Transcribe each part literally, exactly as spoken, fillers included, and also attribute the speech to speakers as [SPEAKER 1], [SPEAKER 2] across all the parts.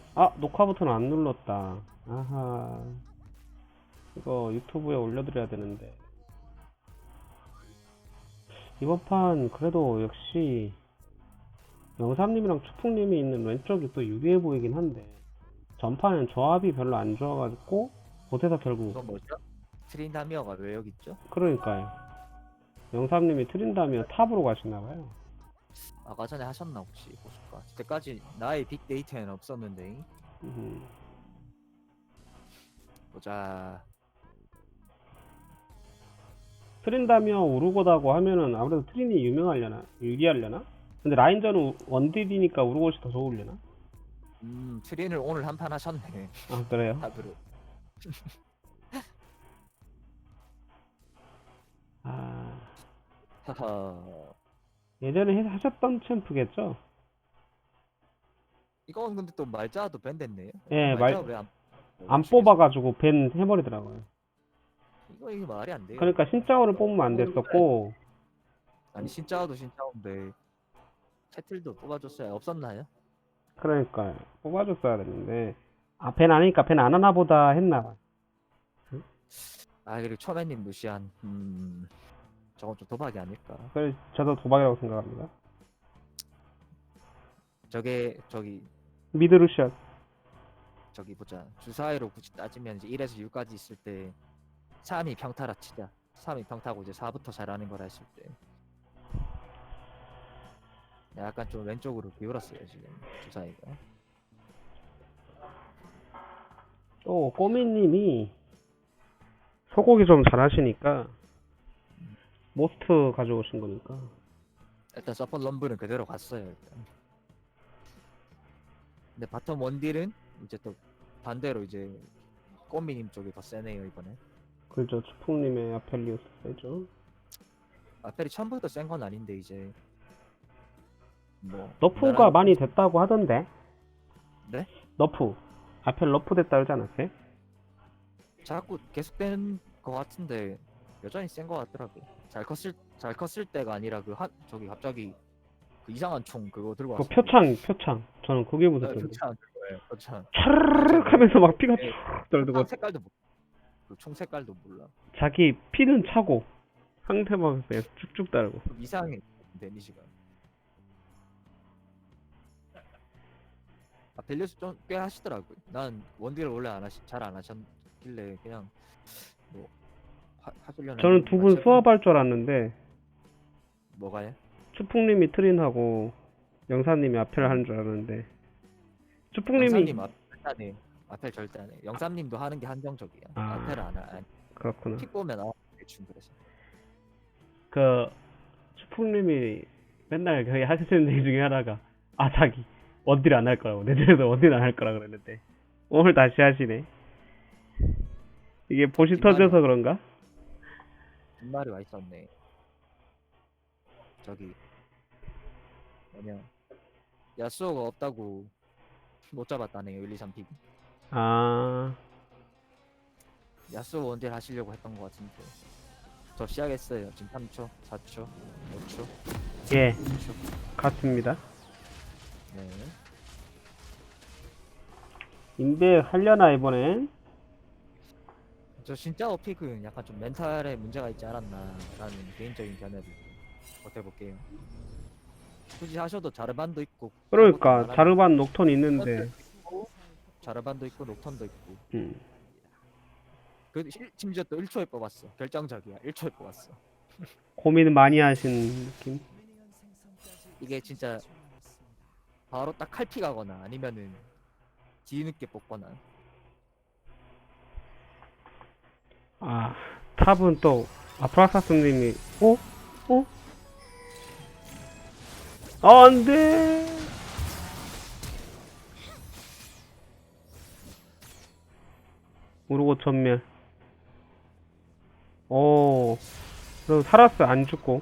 [SPEAKER 1] 아, 녹화 버튼 안 눌렀다. 아하. 이거 유튜브에 올려드려야 되는데. 이번 판 그래도 역시 영삼님이랑 추풍님이 있는 왼쪽이 또 유리해 보이긴 한데 전판은 조합이 별로 안 좋아가지고 못해서 결국.
[SPEAKER 2] 이건 뭐죠? 트린다미어가 왜 여기 있죠?
[SPEAKER 1] 그러니까요. 영삼님이 트린다며 탑으로 가시나봐요.
[SPEAKER 2] 아까 전에 하셨나 혹시 보실까? 그때까지 나의 빅데이터에는 없었는데.
[SPEAKER 1] 음,
[SPEAKER 2] 보자.
[SPEAKER 1] 트린다며 우르고다고 하면은 아무래도 트린이 유명하려나? 유리하려나? 근데 라인전은 원딜이니까 우르고시 더 좋으려나?
[SPEAKER 2] 음 트린을 오늘 한 판 하셨네.
[SPEAKER 1] 아, 그래요?
[SPEAKER 2] 탑으로.
[SPEAKER 1] 아,
[SPEAKER 2] 하하.
[SPEAKER 1] 예전에 해- 하셨던 챔프겠죠?
[SPEAKER 2] 이건 근데 또 말자도 밴 됐네요.
[SPEAKER 1] 예,
[SPEAKER 2] 말자
[SPEAKER 1] 말,
[SPEAKER 2] 왜안
[SPEAKER 1] 안 뽑아가지고 밴 해버리더라고요.
[SPEAKER 2] 이거 이게 말이 안 돼요.
[SPEAKER 1] 그러니까 신짜오를 뽑으면 안 됐었고,
[SPEAKER 2] 아니 신짜오도 신짜오인데 캐틀도 뽑아줬어야 없었나요?
[SPEAKER 1] 그러니까 뽑아줬어야 됐는데, 아, 밴 아니니까 밴 안 하나 보다 했나.
[SPEAKER 2] 아 그리고 초면님 루시안. 음 저건 좀 도박이 아닐까.
[SPEAKER 1] 그래서 저도 도박이라고 생각합니다.
[SPEAKER 2] 저게 저기
[SPEAKER 1] 미드루시안.
[SPEAKER 2] 저기 보자. 주사위로 굳이 따지면 이제 일에서 육까지 있을 때 삼이 평타라 치자. 삼이 평타고 이제 사부터 잘하는 거라 했을 때 약간 좀 왼쪽으로 기울었어요 지금 주사위가.
[SPEAKER 1] 또, 꼬미님이 소고기 좀 잘하시니까, 모스트 가져오신 거니까.
[SPEAKER 2] 일단 서폿 럼블은 그대로 갔어요 일단. 근데 바텀 원딜은 이제 또 반대로 이제 꼬미님 쪽이 더 세네요 이번에.
[SPEAKER 1] 그죠, 추풍님의 아펠리우스 세죠.
[SPEAKER 2] 아펠이 처음부터 센 건 아닌데 이제 뭐
[SPEAKER 1] 너프가
[SPEAKER 2] 무난한.
[SPEAKER 1] 많이 됐다고 하던데.
[SPEAKER 2] 네?
[SPEAKER 1] 너프. 아펠 너프 됐다 그러지 않았어요?
[SPEAKER 2] 자꾸 계속되는 거 같은데 여전히 센 거 같더라고. 잘 컸을 잘 컸을 때가 아니라 그 한 저기 갑자기 그 이상한 총 그거 들고
[SPEAKER 1] 그
[SPEAKER 2] 왔어.
[SPEAKER 1] 표창, 표창. 저는 그게
[SPEAKER 2] 네,
[SPEAKER 1] 무섭던데.
[SPEAKER 2] 표창 그거예요. 표창.
[SPEAKER 1] 차르르륵 하면서 막 피가
[SPEAKER 2] 네,
[SPEAKER 1] 쭉 떨고
[SPEAKER 2] 표창 색깔도 모- 그 총 색깔도 몰라.
[SPEAKER 1] 자기 피는 차고 상대방 그냥 쭉쭉 따르고.
[SPEAKER 2] 좀 이상해 데미지가. 아 밸류스 좀 꽤 하시더라고요. 난 원딜을 원래 안 하시 잘 안 하셨길래 그냥 뭐 하, 하시려나
[SPEAKER 1] 저는
[SPEAKER 2] 했는데
[SPEAKER 1] 두 분
[SPEAKER 2] 같이 해보니
[SPEAKER 1] 수업할 줄 알았는데
[SPEAKER 2] 뭐가요?
[SPEAKER 1] 추풍님이 트린하고 영사님이 아펠 하는 줄 알았는데 추풍님이.
[SPEAKER 2] 영삼님 앞 절대 앞에 절대 안 해. 영삼님도 하는 게 한정적이야.
[SPEAKER 1] 아,
[SPEAKER 2] 앞에를 안 하. 안-
[SPEAKER 1] 그렇구나.
[SPEAKER 2] 픽 보면 아 대충 그래서.
[SPEAKER 1] 그 추풍님이 맨날 거의 하시는 얘기 중에 하나가 아, 자기 원딜 안 할 거라고, 내년에도 원딜 안 할 거라 그랬는데 오늘 다시 하시네. 이게 보시
[SPEAKER 2] 뒷말이
[SPEAKER 1] 터져서
[SPEAKER 2] 와,
[SPEAKER 1] 그런가?
[SPEAKER 2] 뒷말이 와 있었네. 저기 뭐냐 야스오가 없다고 못 잡았다네요. 일, 이, 삼 픽.
[SPEAKER 1] 아,
[SPEAKER 2] 야스오 원딜 하시려고 했던 것 같은데. 저 시작했어요. 지금 삼 초, 사 초, 오 초,
[SPEAKER 1] 예,
[SPEAKER 2] 이 초.
[SPEAKER 1] 같습니다.
[SPEAKER 2] 네.
[SPEAKER 1] 인베 하려나 이번엔?
[SPEAKER 2] 저 진짜 어픽은 약간 좀 멘탈에 문제가 있지 않았나라는 개인적인 견해를 버텨볼게요. 굳이 하셔도 자르반도 있고
[SPEAKER 1] 그러니까 자르반 녹턴 있는데.
[SPEAKER 2] 자르반도 있고 녹턴도 있고
[SPEAKER 1] 음.
[SPEAKER 2] 그 실- 심지어 또 일 초에 뽑았어. 결정적이야. 일 초에 뽑았어.
[SPEAKER 1] 고민 많이 하신 느낌?
[SPEAKER 2] 이게 진짜 바로 딱 칼피 가거나 아니면은 뒤늦게 뽑거나.
[SPEAKER 1] 아, 탑은 또 아프라사스님이 어? 어? 아, 안돼. 우르고 전멸. 오, 그럼 살았어, 안 죽고.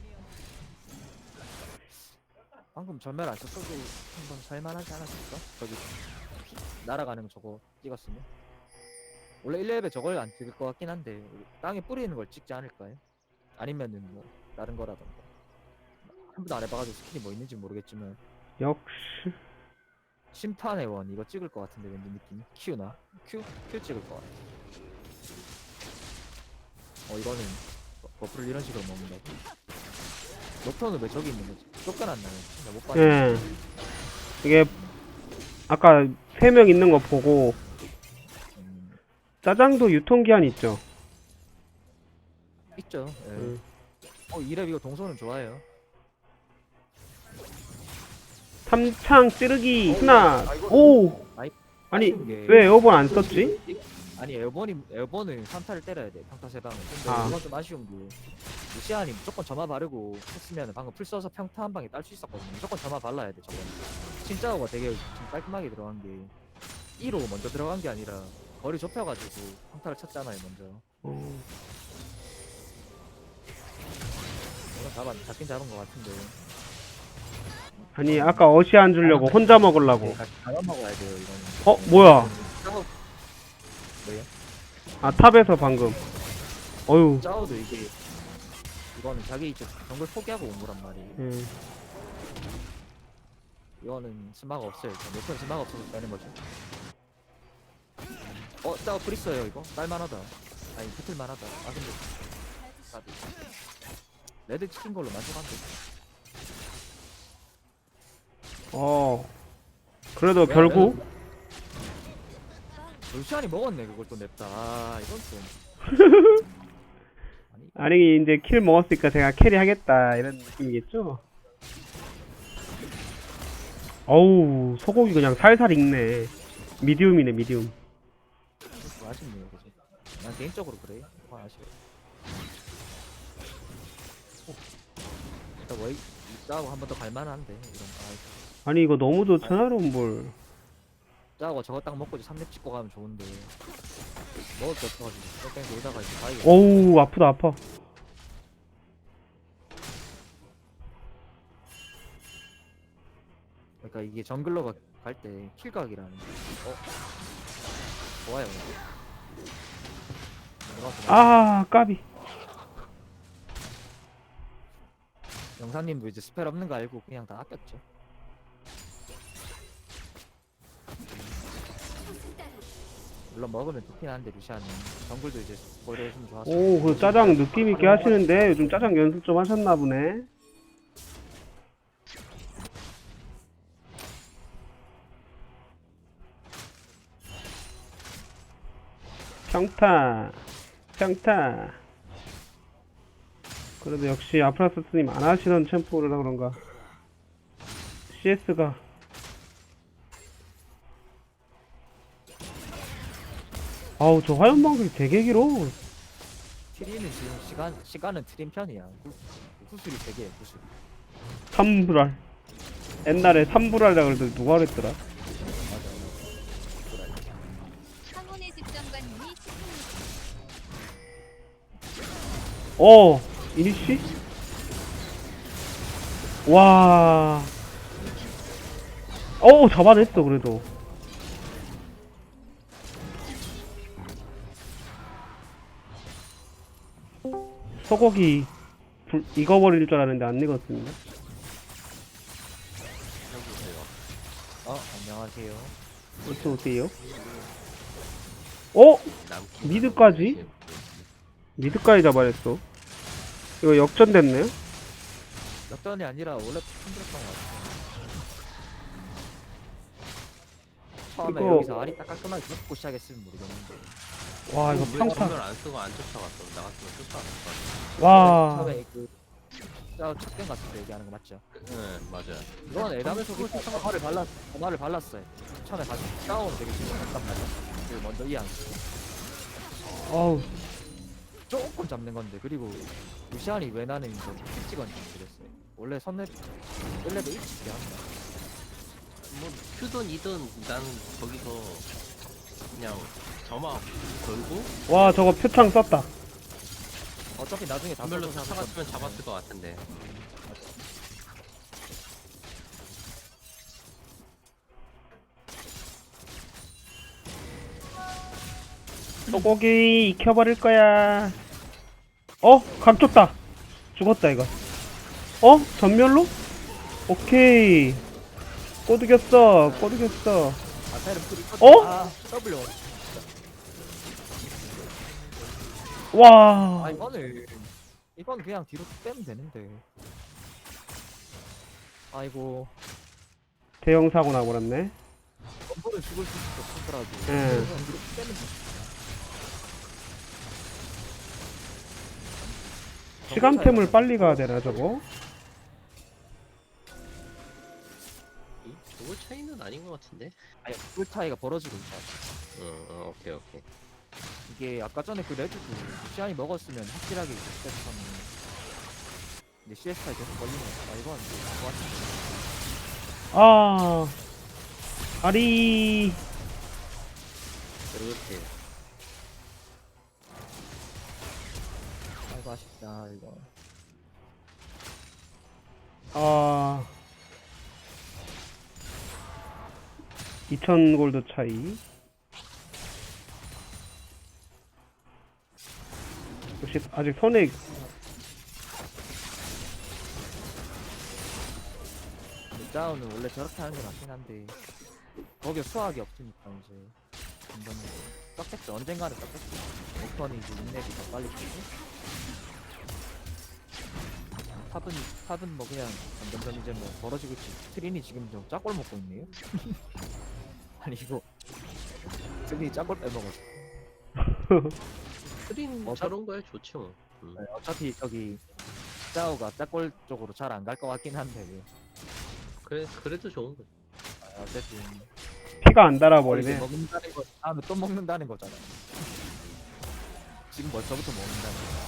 [SPEAKER 2] 방금 전멸 안 썼어도 한번 살만하지 않았을까? 저기 날아가는 거 저거 찍었으면 원래 일 렙에 저걸 안 찍을 것 같긴 한데 땅에 뿌리는 걸 찍지 않을까요? 아니면은 뭐 다른 거라던가 한 번도 안 해봐가지고 스킬이 뭐 있는지 모르겠지만
[SPEAKER 1] 역시
[SPEAKER 2] 심판의 원 이거 찍을 것 같은데 왠지 느낌. Q나? Q? Q 찍을 것 같아. 어 이거는 버- 버프를 이런 식으로 먹는다고. 녹턴은 왜 저기 있는 거지? 쫓겨났나요? 나못 봤네.
[SPEAKER 1] 예. 이게 아까 세 명 있는 거 보고
[SPEAKER 2] 음,
[SPEAKER 1] 짜장도 유통기한 있죠.
[SPEAKER 2] 있죠. 예.
[SPEAKER 1] 음.
[SPEAKER 2] 어 이랩 이거 동선은 좋아해요.
[SPEAKER 1] 삼창 찌르기 하나. 오.
[SPEAKER 2] 아이,
[SPEAKER 1] 아니
[SPEAKER 2] 아쉬운 게-
[SPEAKER 1] 왜 에어본 안 썼지?
[SPEAKER 2] 아니 에어본이 에어본은 삼 타를 때려야 돼. 평타 세 방은. 근데
[SPEAKER 1] 아.
[SPEAKER 2] 이건 좀 아쉬운 게 루시안이 무조건 점화 바르고 했으면 방금 풀 써서 평타 한 방에 딸 수 있었거든요. 무조건 점화 발라야 돼 저건. 진짜가 되게 좀 깔끔하게 들어간 게 이로 먼저 들어간 게 아니라 거리 좁혀가지고 평타를 쳤잖아요 먼저.
[SPEAKER 1] 어.
[SPEAKER 2] 이건 잡아 잡긴 잡은 것 같은데.
[SPEAKER 1] 아니 아까 어시 안 주려고 혼자 먹으려고.
[SPEAKER 2] 잡아 먹어야 돼요 이거는.
[SPEAKER 1] 어 뭐야?
[SPEAKER 2] 짜오 뭐예요?
[SPEAKER 1] 아 탑에서 방금. 어유.
[SPEAKER 2] 짜오도 이게 이거는 자기 이제 정글 포기하고 온 거란 말이에요.
[SPEAKER 1] 음.
[SPEAKER 2] 이거는 스마가 없어요. 몇번 스마가 없어서 빼는 거죠. 어, 짜오 프리스예요 이거. 딸만하다. 아니 붙을만하다. 아 근데 나도 레드 치킨 걸로 만족한데.
[SPEAKER 1] 어. 그래도 결국
[SPEAKER 2] 루시안이 먹었네 그걸 또 냅다. 아 이건 좀. 아니
[SPEAKER 1] 아니 이제 킬 먹었으니까 제가 캐리하겠다 이런 느낌이겠죠? 어우 소고기 그냥 살살 익네. 미디움이네 미디움.
[SPEAKER 2] 좀 아쉽네요 그죠. 난 개인적으로 그래. 그건 아쉬워. 일단 뭐 짜오 한 번 더 갈만한데 이런. 아,
[SPEAKER 1] 아니 이거 너무 좋잖아 롬볼.
[SPEAKER 2] 짜고 저거 딱 먹고 이제 삼 렙 찍고 가면 좋은데 먹을 게 없어가지고 뺑뺑 돌다가 이제 바이가.
[SPEAKER 1] 어우 아프다 아파.
[SPEAKER 2] 그러니까 이게 정글러가 갈 때 킬각이라는 게 어? 좋아요 이거.
[SPEAKER 1] 아 까비.
[SPEAKER 2] 영사님도 이제 스펠 없는 거 알고 그냥 다 아꼈죠. 물론 먹으면 좋긴 한데 루시안은 정글도 이제 보려 좀 좋았어.
[SPEAKER 1] 오 그 짜장 느낌 있게 하시는데 요즘 짜장 연습 좀 하셨나 보네. 평타 평타. 그래도 역시 아프라스스님 안 하시던 챔프라 그런가 씨에스가. 아우 저 화염방석이 되게 길어.
[SPEAKER 2] 트리는 지금 시간 시간은 트림 편이야. 구슬이 되게 구슬.
[SPEAKER 1] 삼불알. 옛날에 삼불알이라 그래도 누가 그랬더라.
[SPEAKER 2] 맞아.
[SPEAKER 3] 황혼의 집정관님이
[SPEAKER 1] 어 이니씨? 와. 어우 잡아냈어 그래도. 소고기 불, 익어버릴 줄 알았는데 안 익었습니다.
[SPEAKER 2] 어 안녕하세요.
[SPEAKER 1] 어서 오세요. 어? 미드까지? 미드까지 잡아냈어. 이거 역전됐네요?
[SPEAKER 2] 역전이 아니라 원래 힘들었던 것 같아. 처음에
[SPEAKER 1] 이거-
[SPEAKER 2] 여기서 알이 딱 깔끔하게 잡고 시작했으면 모르겠는데.
[SPEAKER 1] 와 이거
[SPEAKER 4] 왜
[SPEAKER 1] 평타.
[SPEAKER 4] 전멸 안 쓰고 안 쫓아갔어? 나갔으면 쫓아갔을 것
[SPEAKER 1] 와.
[SPEAKER 2] 처음에 그 짜- 첫갱 같은 데 얘기하는 거 맞죠?
[SPEAKER 4] 같아. 네, 맞아요.
[SPEAKER 2] 이건 에담에서 점화를 발랐 점화를 발랐어요. 처음에 가서 싸우는 되게 심각했단 말이야. 그 먼저 이해한 거.
[SPEAKER 1] 어우
[SPEAKER 2] 조금 잡는 건데 그리고 루시안이 왜 나는 이제 찍었는지 모르겠어요. 원래 선렙 일 렙에 일찍 한다.
[SPEAKER 4] 뭐 큐든 이든 난 거기서 그냥 점화 걸고
[SPEAKER 1] 와 저거 표창 썼다.
[SPEAKER 2] 어차피 나중에 다
[SPEAKER 4] 전멸로
[SPEAKER 2] 써서
[SPEAKER 4] 쫓아갔으면 잡았을 것 같은데.
[SPEAKER 1] 소고기 익혀버릴 거야. 어? 각 줬다. 죽었다 이거. 어? 전멸로? 오케이. 꼬드겼어 꼬드겼어.
[SPEAKER 2] 아타이를 뿌리
[SPEAKER 1] 어?
[SPEAKER 2] 아 W
[SPEAKER 1] 와
[SPEAKER 2] 아 이거는 이건 그냥 뒤로 빼면 되는데 아이고
[SPEAKER 1] 대형 사고 나버렸네.
[SPEAKER 2] 원본을 죽을 수 없더라도
[SPEAKER 1] 예.
[SPEAKER 2] 이건 뒤로 빼면 돼.
[SPEAKER 1] 시간템을 빨리 가야 되나 저거?
[SPEAKER 4] 이 저거 차이는 아닌 것 같은데?
[SPEAKER 2] 아니 그 차이가 벌어지고 있어.
[SPEAKER 4] 어, 어 오케이 오케이.
[SPEAKER 2] 이게 아까 전에 그 레드도 시안이 먹었으면 확실하게 시스템 근데 씨에스 차이 계속 걸리는 거야. 아 이건 뭐
[SPEAKER 1] 아 아리
[SPEAKER 4] 이렇게
[SPEAKER 2] 아이고 아쉽다 이거.
[SPEAKER 1] 아 이천 골드 차이. 역시 아직 손에
[SPEAKER 2] 다운은 원래 저렇게 하는 게 맞긴 한데 거기에 수학이 없으니까 이제 점점 떴겠죠. 언젠가는 떴겠죠. 오턴이 이제 인랩이 더 빨리 되고 탑은 탑은 뭐 그냥 점점점 이제 뭐 벌어지고 있지. 트린이 지금 좀 짝골 먹고 있네요. 아니 이거 트린이 짝골 빼먹었어.
[SPEAKER 4] 트린
[SPEAKER 2] 어,
[SPEAKER 4] 저런 거에 좋지 뭐. 음.
[SPEAKER 2] 네, 어차피 저기 짜오가 짝골 쪽으로 잘 안 갈 것 같긴 한데
[SPEAKER 4] 그래 그래도 좋은 거지.
[SPEAKER 2] 아, 어쨌든
[SPEAKER 1] 피가 안
[SPEAKER 2] 이제
[SPEAKER 1] 달아버리네.
[SPEAKER 2] 먹는다는 거 다음에 또 먹는다는 거잖아. 지금 벌써부터 먹는다는 거.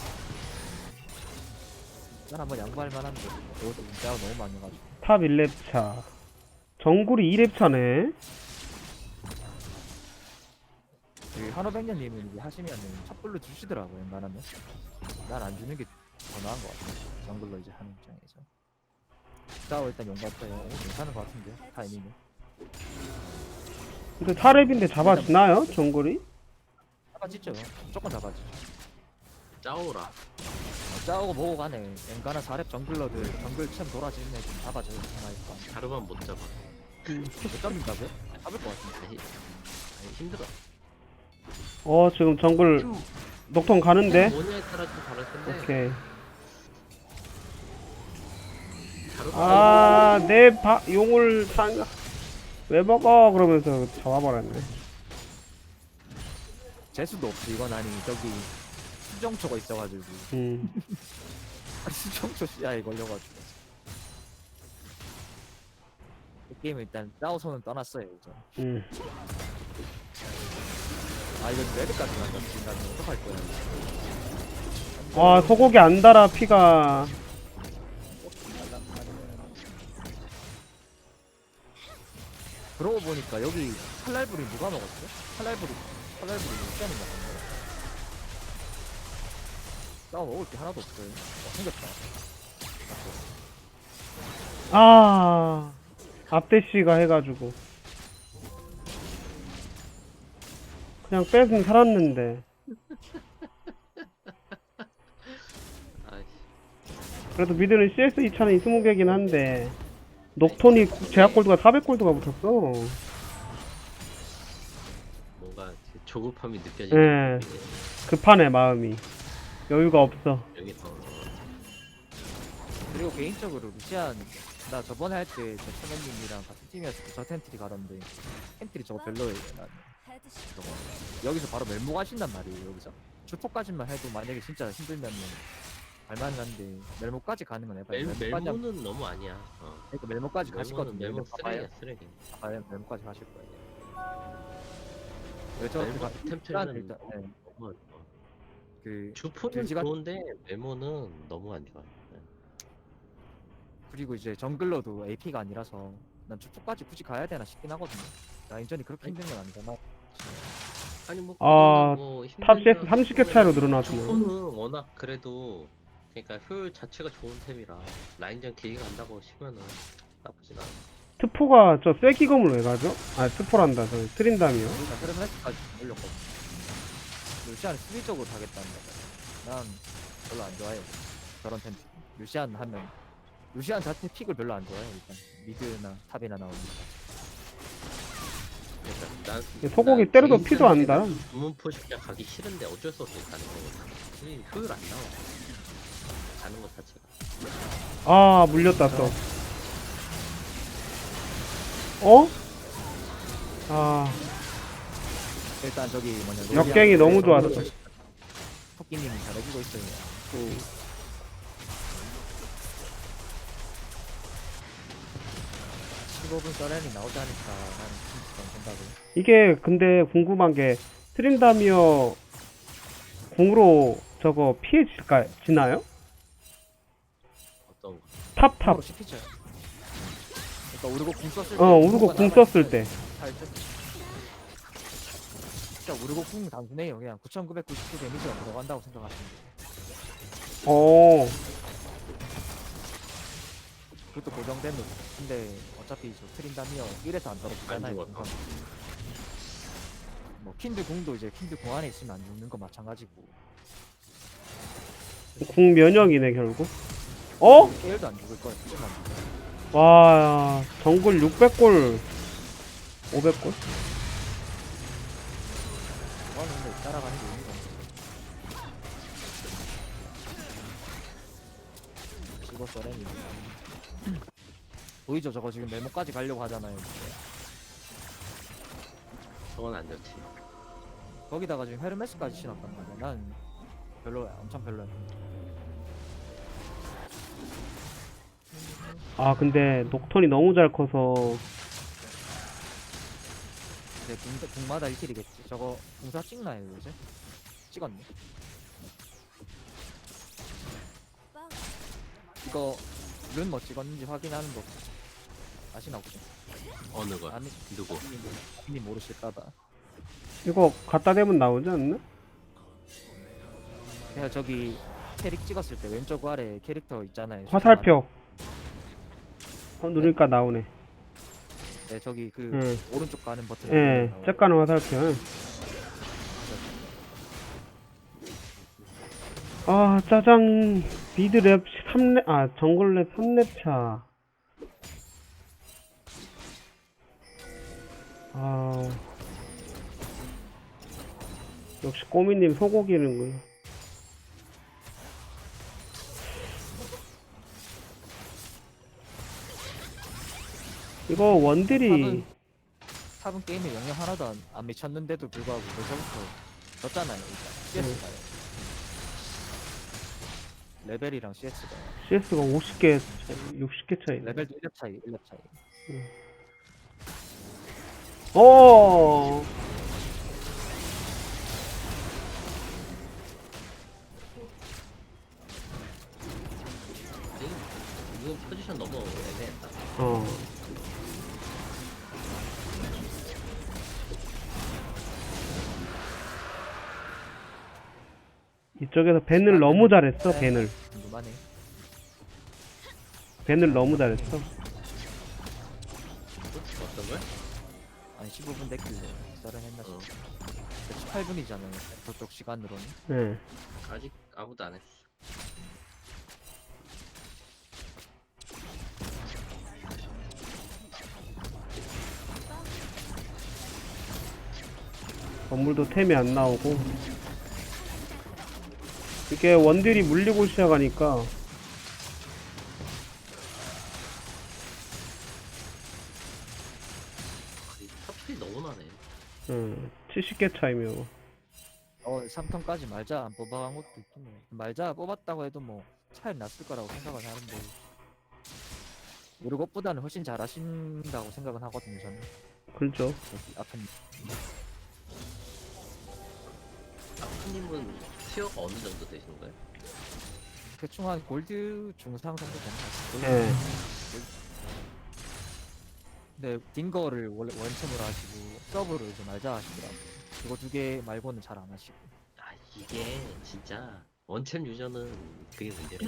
[SPEAKER 2] 난 한번 양보할 만한데 이것도 문자가 너무 많아가지고.
[SPEAKER 1] 탑 일 렙 차. 정글이 이 렙 차네.
[SPEAKER 2] 그 한오백년님이 이제 하시면은 첩불로 주시더라고요. 웬만하면 난 안 주는 게 더 나은 것 같아요. 정글로 이제 하는 입장에서. 짜오 일단 용 같아요. 괜찮은 것 같은데 타이밍이.
[SPEAKER 1] 근데 사 렙인데 잡아주나요? 정글이?
[SPEAKER 2] 잡아지죠. 무조건 잡아지죠.
[SPEAKER 4] 짜오라.
[SPEAKER 2] 어, 짜오고 뭐고 간에 웬간한 사렙 정글러들 정글 챔 돌아지는 애좀 잡아줘요. 하나니까.
[SPEAKER 4] 자르만 못 잡아.
[SPEAKER 2] 못 잡는다고요? 잡을 것 같은데.
[SPEAKER 4] 아니, 아니 힘들어.
[SPEAKER 1] 어 지금 정글
[SPEAKER 4] 팀
[SPEAKER 1] 녹통 가는데?
[SPEAKER 4] 뭐냐에 따라 좀 다를 텐데.
[SPEAKER 1] 오케이.
[SPEAKER 4] 자르만
[SPEAKER 1] 아, 내 바, 용을 상, 왜 먹어? 그러면서 잡아버렸네.
[SPEAKER 2] 재수도 없지. 이건 아니 저기 수정초가 있어가지고
[SPEAKER 1] 음.
[SPEAKER 2] 수정초 씨앗에 걸려가지고 이 게임 일단 짜오손은 떠났어요 이제.
[SPEAKER 1] 음.
[SPEAKER 2] 아 이거 레드까지 간다. 지금 나는 어떡할 거야.
[SPEAKER 1] 와, 소고기 안 달아, 피가.
[SPEAKER 2] 그러고 보니까 여기 칼날불이 누가 먹었어? 칼날불이 칼날불이 시간이 먹었네. 짜오 먹을 게 하나도 없어요. 어, 생겼다.
[SPEAKER 1] 아, 앞대씨가 해가지고. 그냥 뺏은 살았는데.
[SPEAKER 4] 아이씨.
[SPEAKER 1] 그래도 미드는 씨에스 이천은 스무 개긴 한데. 녹톤이 제약골드가 사백 골드가 붙었어.
[SPEAKER 4] 뭔가 그 조급함이
[SPEAKER 1] 예.
[SPEAKER 4] 느껴지는. 게
[SPEAKER 1] 급하네, 마음이. 여유가 없어.
[SPEAKER 4] 여기서
[SPEAKER 2] 그리고 개인적으로 루시안 나 저번에 할 때 저 천연님이랑 같은 팀이었을 때 저 텐트리 가던데 텐트리 저거 별로예요. 난 저거 여기서 바로 멜모 가신단 말이에요. 여기서 주포까지만 해도 만약에 진짜 힘들면은 갈만한데 멜모까지 가는 건 해봐요.
[SPEAKER 4] 멜,
[SPEAKER 2] 멜모까지 하면-
[SPEAKER 4] 멜모는 너무 아니야. 어.
[SPEAKER 2] 그러니까 멜모까지 가시거든요.
[SPEAKER 4] 멜모
[SPEAKER 2] 멜모
[SPEAKER 4] 쓰레기야
[SPEAKER 2] 봐봐요.
[SPEAKER 4] 쓰레기.
[SPEAKER 2] 봐봐요. 멜모까지 가실 거예요. 왜 저렇게
[SPEAKER 4] 멜모
[SPEAKER 2] 가?
[SPEAKER 4] 템플은
[SPEAKER 2] 일단 네,
[SPEAKER 4] 너무 어.
[SPEAKER 2] 그
[SPEAKER 4] 주포는
[SPEAKER 2] 돼지가-
[SPEAKER 4] 좋은데 멜모는 너무 안 좋아. 네.
[SPEAKER 2] 그리고 이제 정글러도 에이피가 아니라서 난 주포까지 굳이 가야 되나 싶긴 하거든요. 라인전이 그렇게 힘든 건 아니잖아.
[SPEAKER 4] 아니 뭐
[SPEAKER 1] 아,
[SPEAKER 4] 그거는 뭐
[SPEAKER 1] 탑
[SPEAKER 4] 힘들다
[SPEAKER 1] 씨에스 삼십 개 차이로
[SPEAKER 4] 싶으면
[SPEAKER 1] 늘어났구나.
[SPEAKER 4] 주포는 워낙 그래도 그러니까 효율 자체가 좋은 템이라 라인전 길게 간다고 치면은 나쁘진 않아.
[SPEAKER 1] 트포가 저 쐐기검을 왜 가죠? 아, 트포란다. 저 트린다미요.
[SPEAKER 2] 일단 트레브레스까지 올렸거든. 루시안 수비적으로 가겠다는 거죠. 난 별로 안 좋아해. 저런 텐트. 루시안 하면 루시안 자체 픽을 별로 안 좋아해요. 일단 미드나 탑이나 나오니까.
[SPEAKER 4] 그러니까 난,
[SPEAKER 1] 소고기
[SPEAKER 4] 난
[SPEAKER 1] 때려도
[SPEAKER 4] 개인
[SPEAKER 1] 피도 안 나.
[SPEAKER 4] 주문포 시작 가기 싫은데 어쩔 수 없이 가는 거거든. 이 효율 안 나와. 가는 것 자체가.
[SPEAKER 1] 아, 물렸다 또. 어? 아,
[SPEAKER 2] 일단 저기 뭐냐
[SPEAKER 1] 역갱이 너무 좋았어.
[SPEAKER 2] 토끼님이 잘해주고 있어요. 십오 분 서렌이 나오지 않을까 하는 그런 생각을.
[SPEAKER 1] 이게 근데 궁금한 게 트린다미어 궁으로 저거 피해질까 지나요?
[SPEAKER 4] 어떤 거.
[SPEAKER 1] 탑 탑.
[SPEAKER 2] 바로 시키죠. 그러니까 우르고 궁 썼을 때.
[SPEAKER 1] 어, 우르고 궁 썼을 때.
[SPEAKER 2] 살짝. 진짜 우르고 궁 단순해요. 그냥 구천구백구십구 데미지가 들어간다고 생각하시면 돼요.
[SPEAKER 1] 어,
[SPEAKER 2] 그것도 고정된 노 근데 어차피 저 트린다미어 일에서 안 떨어지잖아요.
[SPEAKER 4] 안 죽었어.
[SPEAKER 2] 궁은. 뭐 킨드 궁도 이제 킨드 궁 안에 있으면 안 죽는 거 마찬가지고.
[SPEAKER 1] 궁 면역이네 결국. 어?
[SPEAKER 2] 케일도 안 죽을 거예요. 진짜 안 죽을 거예요.
[SPEAKER 1] 와, 정글 육백 골, 오백 골?
[SPEAKER 2] 저는 근데 따라가는 게 의미가 없어요. 죽었어 렌이. 보이죠? 저거 지금 네모까지 가려고 하잖아요.
[SPEAKER 4] 저건 안 좋지.
[SPEAKER 2] 거기다가 지금 헤르메스까지 신었단 말이야. 난 별로야. 엄청 별로야.
[SPEAKER 1] 아, 근데 녹턴이 너무 잘 커서
[SPEAKER 2] 이제 궁, 궁마다 일 킬이겠지. 저거 궁사 찍나요 요새? 찍었네. 이거 룬 뭐 찍었는지 확인하는 거 아시나 혹시?
[SPEAKER 4] 어느 거.
[SPEAKER 2] 아니
[SPEAKER 4] 누구.
[SPEAKER 2] 님 모르실까봐.
[SPEAKER 1] 이거 갖다 대면 나오지 않나?
[SPEAKER 2] 그냥 저기 캐릭 찍었을 때 왼쪽 아래 캐릭터 있잖아요.
[SPEAKER 1] 화살표. 어, 누르니까 나오네.
[SPEAKER 2] 네 저기 그
[SPEAKER 1] 응.
[SPEAKER 2] 오른쪽 가는 버튼.
[SPEAKER 1] 예, 쬐까는 화살표. 아, 짜장. 미드 랩 삼 렙, 아, 정글 랩 삼 렙 차. 아. 역시 꼬미님 소고기는군. 이거 원딜이
[SPEAKER 2] 탑은, 탑은 게임에 영향 하나도 안, 안 미쳤는데도 불구하고 벌써부터 졌잖아요. 일단 씨에스가요. 레벨이랑 씨에스가
[SPEAKER 1] 씨에스가 오십 개, 육십 개 차이.
[SPEAKER 2] 레벨도 일 렙 차이, 일 렙 차이.
[SPEAKER 1] 어.
[SPEAKER 4] 이거 포지션 너무 애매했다.
[SPEAKER 1] 어. 이쪽에서 벤을 너무 잘했어, 벤을.
[SPEAKER 2] 궁금하네.
[SPEAKER 1] 벤을 너무 잘했어.
[SPEAKER 4] 어떤 걸?
[SPEAKER 2] 아니 십오 분 됐길래 썰은 했나
[SPEAKER 4] 어.
[SPEAKER 2] 싶어. 십팔 분이잖아요. 저쪽 시간으로는.
[SPEAKER 1] 네.
[SPEAKER 4] 아직 아무도 안 했어.
[SPEAKER 1] 건물도 템이 안 나오고. 이게 원딜이 물리고 시작하니까
[SPEAKER 4] 탑이 너무 나네.
[SPEAKER 1] 음, 칠십 개 차이면
[SPEAKER 2] 어 삼 턴까지 말자 안 뽑아간 것도 있긴 해. 말자 뽑았다고 해도 뭐 차이 났을 거라고 생각은 하는데 우리 것보다는 훨씬 잘하신다고 생각은 하거든요 저는.
[SPEAKER 1] 그렇죠.
[SPEAKER 2] 여기 아픈
[SPEAKER 4] 아프님은 티어가 어느 정도 되시는 거예요?
[SPEAKER 2] 대충 한 골드 중상 정도 되는 것 같아요.
[SPEAKER 1] 예.
[SPEAKER 2] 근데 딩거를 원래 원챔으로 하시고 서브를 이제 말자 하시더라고. 그거 두 개 말고는 잘 안 하시고.
[SPEAKER 4] 아 이게 진짜 원챔 유저는 그게 문제래.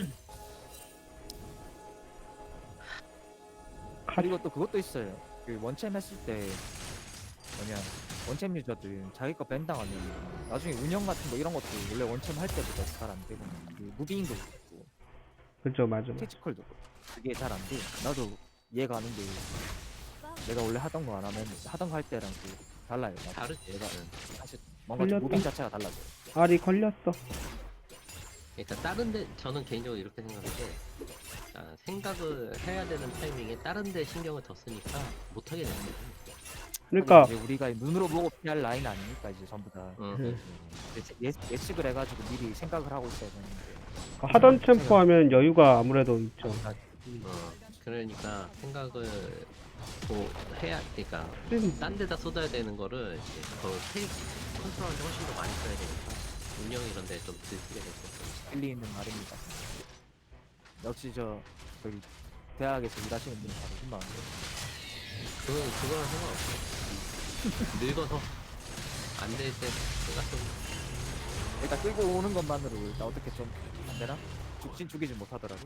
[SPEAKER 2] 그리고 또 그것도 있어요. 그 원챔 했을 때 뭐냐 원챔 유저들 자기 거 밴당하면 나중에 운영 같은 거 이런 것도 원래 원챔 할 때보다 잘 안 되고 그 무빙도 있고
[SPEAKER 1] 그죠, 맞아. 맞아.
[SPEAKER 2] 캐치컬도 그게 잘 안 돼. 나도 이해가 안 되는데 내가 원래 하던 거 안 하면 하던 거 할 때랑 그 달라요. 나도.
[SPEAKER 4] 다르지.
[SPEAKER 2] 내가
[SPEAKER 4] 응.
[SPEAKER 2] 사실 뭔가 좀
[SPEAKER 1] 걸렸다.
[SPEAKER 2] 무빙 자체가 달라져.
[SPEAKER 1] 알이 걸렸어.
[SPEAKER 4] 그러니까 다른데 저는 개인적으로 이렇게 생각해요. 아, 생각을 해야 되는 타이밍에 다른데 신경을 더 쓰니까 못 하게 되는 거예요.
[SPEAKER 1] 그러니까
[SPEAKER 2] 이제 우리가 눈으로 보고 피할 라인 아니니까 이제 전부 다
[SPEAKER 4] 응,
[SPEAKER 1] 음.
[SPEAKER 4] 응,
[SPEAKER 2] 예측, 예- 예측을 해가지고 미리 생각을 하고 있어야 되는데.
[SPEAKER 1] 하던 템포 하면 여유가 아무래도 있죠.
[SPEAKER 2] 아,
[SPEAKER 4] 응. 어, 그러니까 생각을 뭐 해야 그러니까
[SPEAKER 1] 음,
[SPEAKER 4] 딴 데다 쏟아야 되는 거를 이제 더 테이크 컨트롤하는데 훨씬 더 많이 써야 되니까 운영 이런 데 좀 들쓰게 되고.
[SPEAKER 2] 일리 있는 말입니다. 역시 저 저기 대학에서 일하시는 분이 바로 신망한데.
[SPEAKER 4] 그건 그거랑 상관없어. 늙어서 안 될 때 내가 좀
[SPEAKER 2] 일단 끌고 오는 것만으로 일단 어떻게 좀 안 되나? 죽진 죽이지 못하더라고.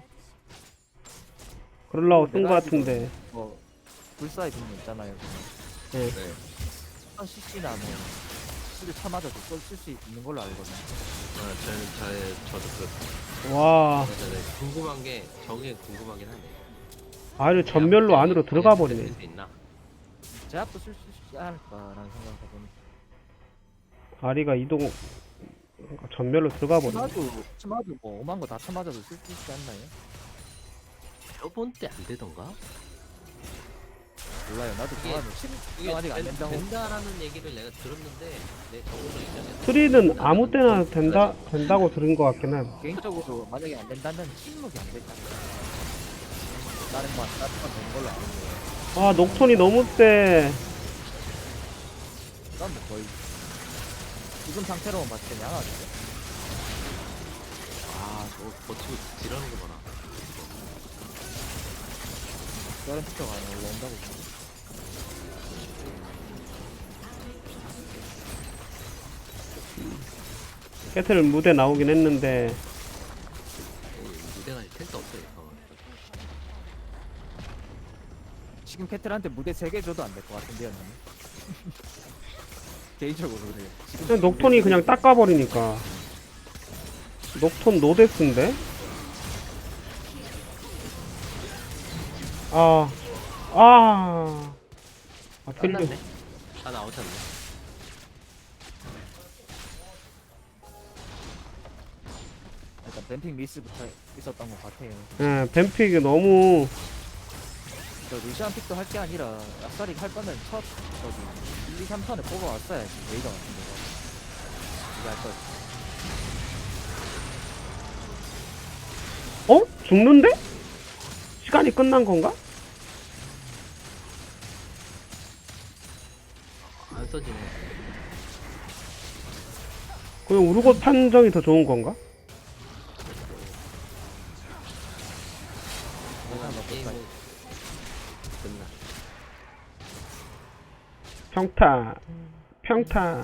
[SPEAKER 1] 그러려고 쓴 거
[SPEAKER 2] 내가
[SPEAKER 1] 같은데.
[SPEAKER 2] 뭐 불사의 분모 있잖아요.
[SPEAKER 1] 예.
[SPEAKER 4] 네.
[SPEAKER 2] 한 씨씨나 뭐 술을 참아줘도 쓸 수 있는 걸로 알거든요.
[SPEAKER 4] 어, 저는 저의 저도 그
[SPEAKER 1] 와,
[SPEAKER 4] 그래서 네, 궁금한 게 저게 궁금하긴 하네.
[SPEAKER 1] 알을 전멸로 안으로 들어가 버리네.
[SPEAKER 4] 쓸수 있나?
[SPEAKER 2] 제압도 쓸 수 있지 않을까라는 생각을 해보니.
[SPEAKER 1] 아리가 이동 전멸로 들어가 버리네.
[SPEAKER 2] 참아도 참아도 뭐 오만 거 다 참아줘도 쓸 수 있지 않나요?
[SPEAKER 4] 저번 때 안 되던가?
[SPEAKER 2] 몰라요. 나도
[SPEAKER 4] 이게-
[SPEAKER 2] 그거는 심
[SPEAKER 4] 이게
[SPEAKER 2] 아직 안
[SPEAKER 4] 된-
[SPEAKER 2] 된다고.
[SPEAKER 4] 된다라는 얘기를 내가 들었는데 내 정보로 있잖아.
[SPEAKER 1] 트리는 아무 때나 된다 된다고 들은 것 같긴 한.
[SPEAKER 2] 개인적으로 만약에 안 된다면 침묵이 안 된다. 다른 건 다른 건 되는 걸로 알고.
[SPEAKER 1] 아, 녹톤이 너무 세.
[SPEAKER 2] 난뭐 거의 지금 상태로만 봤을 때 양아인데.
[SPEAKER 4] 아, 저거 버티고 지르는 거 봐라.
[SPEAKER 2] 다른 피처가 안 올라온다고.
[SPEAKER 1] 깨틀 무대 나오긴 했는데
[SPEAKER 4] 이 무대가 텐트 없어요. 어.
[SPEAKER 2] 지금 캐틀한테 무대 세 개 줘도 안 될 것 같은데요, 나는. 개인적으로 그래요. 지금
[SPEAKER 1] 그냥 녹톤이 그냥 닦아버리니까. 녹톤 노데스인데? 아, 아, 아, 틀려.
[SPEAKER 4] 끝났네. 아, 나오셨네.
[SPEAKER 2] 일단 뱀핑 미스부터 있었던 것 같아요.
[SPEAKER 1] 예, 뱀픽이 너무
[SPEAKER 2] 저 루시안 픽도 할 게 아니라 아싸리 할 거면 첫 저기 일, 이, 삼 턴에 뽑아왔어야지 레이더 같은 데가. 이거 할 거.
[SPEAKER 1] 어? 죽는데? 시간이 끝난 건가?
[SPEAKER 4] 안 써지네.
[SPEAKER 1] 그냥 우르고 판정이 더 좋은 건가?
[SPEAKER 2] 그냥 뭐
[SPEAKER 4] 게임은
[SPEAKER 2] 끝까지.
[SPEAKER 4] 끝나.
[SPEAKER 1] 평타, 평타.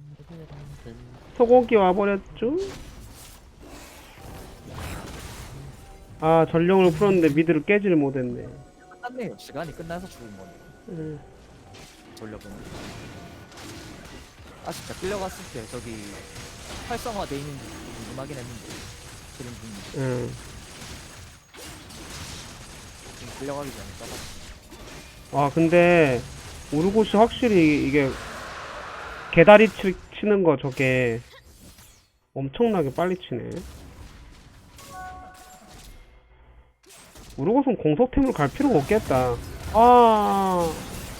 [SPEAKER 1] 소고기 와버렸죠? 아, 전령을 풀었는데 미드를 깨지를 못했네.
[SPEAKER 2] 끝났네요. 시간이 끝나서 죽은 거네.
[SPEAKER 1] 음,
[SPEAKER 2] 돌려보면. 아쉽다. 끌려갔을 때 저기 활성화돼 있는지 궁금하긴 했는데 그림 중인지
[SPEAKER 1] 음.
[SPEAKER 2] 지금 끌려가기 전에 써봤어.
[SPEAKER 1] 아, 근데 우르고시 확실히 이게 개다리 치, 치는 거 저게 엄청나게 빨리 치네. 우르고스는 공속템을 갈 필요가 없겠다. 아,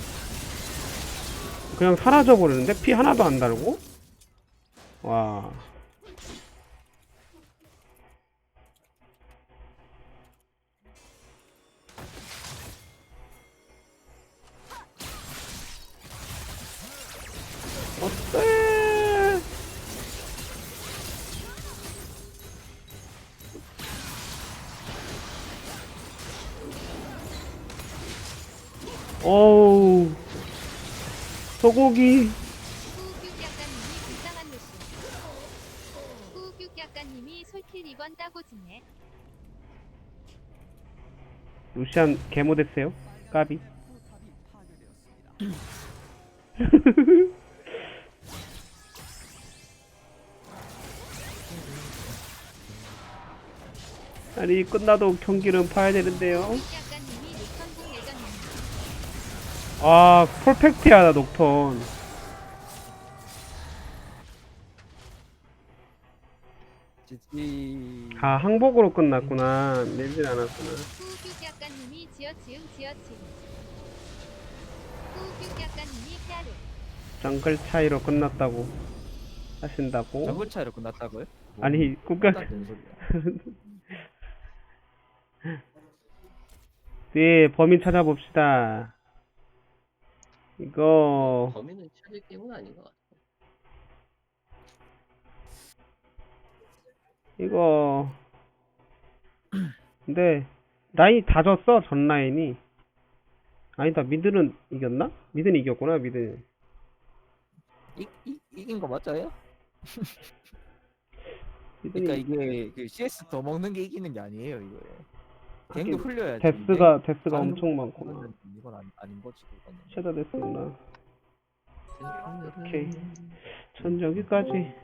[SPEAKER 1] 그냥 사라져 버리는데 피 하나도 안 달고? 와. 어때? 어우, 소고기.
[SPEAKER 3] 후규 약간님이 불쌍한 루시. 후규 약간님이 솔킬 이번 따고지네.
[SPEAKER 1] 루시안 개모 됐어요? 까비. 아니 끝나도 경기는 봐야 되는데요.
[SPEAKER 3] 약간님이 녹턴공 예정입니다.
[SPEAKER 1] 아 퍼펙트야 녹턴.
[SPEAKER 2] 지지.
[SPEAKER 1] 아 항복으로 끝났구나. 내질 않았구나.
[SPEAKER 3] 후규 약간님이 지어치음 지어치음. 후규 약간님이 헤아려.
[SPEAKER 1] 정글 차이로 끝났다고 하신다고?
[SPEAKER 2] 정글 차이로 끝났다고요? 뭐,
[SPEAKER 1] 아니 국가
[SPEAKER 2] 말도 안 되는 소리야.
[SPEAKER 1] 네 범인 찾아봅시다. 이거
[SPEAKER 4] 범인은 찾을 게임은 아닌 것 같아.
[SPEAKER 1] 이거 근데 라인이 다 졌어. 전 라인이. 아니다 미드는 이겼나? 미드는 이겼구나. 미드.
[SPEAKER 2] 이, 이, 이긴 거 맞아요?
[SPEAKER 1] 미드는
[SPEAKER 2] 그러니까 이게 그 씨에스 더 먹는 게 이기는 게 아니에요 이거. 갱도
[SPEAKER 1] 하긴
[SPEAKER 2] 흘려야지.
[SPEAKER 1] 데스가 데스가
[SPEAKER 2] 가는
[SPEAKER 1] 엄청 많구나.
[SPEAKER 2] 거는 이건 아니, 아닌 거지 그거는.
[SPEAKER 1] 섀도 데스구나. 오케이. 전 여기까지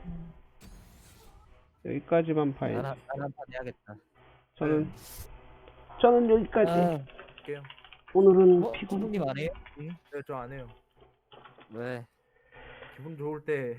[SPEAKER 1] 여기까지만 봐야지.
[SPEAKER 2] 나는 나는 판 해야겠다.
[SPEAKER 1] 저는 저는 여기까지.
[SPEAKER 2] 아,
[SPEAKER 5] 할게요.
[SPEAKER 1] 오늘은
[SPEAKER 2] 어,
[SPEAKER 1] 피곤.
[SPEAKER 2] 구독님 안 해요?
[SPEAKER 5] 네, 저 안 해요.
[SPEAKER 2] 왜?
[SPEAKER 5] 기분 좋을 때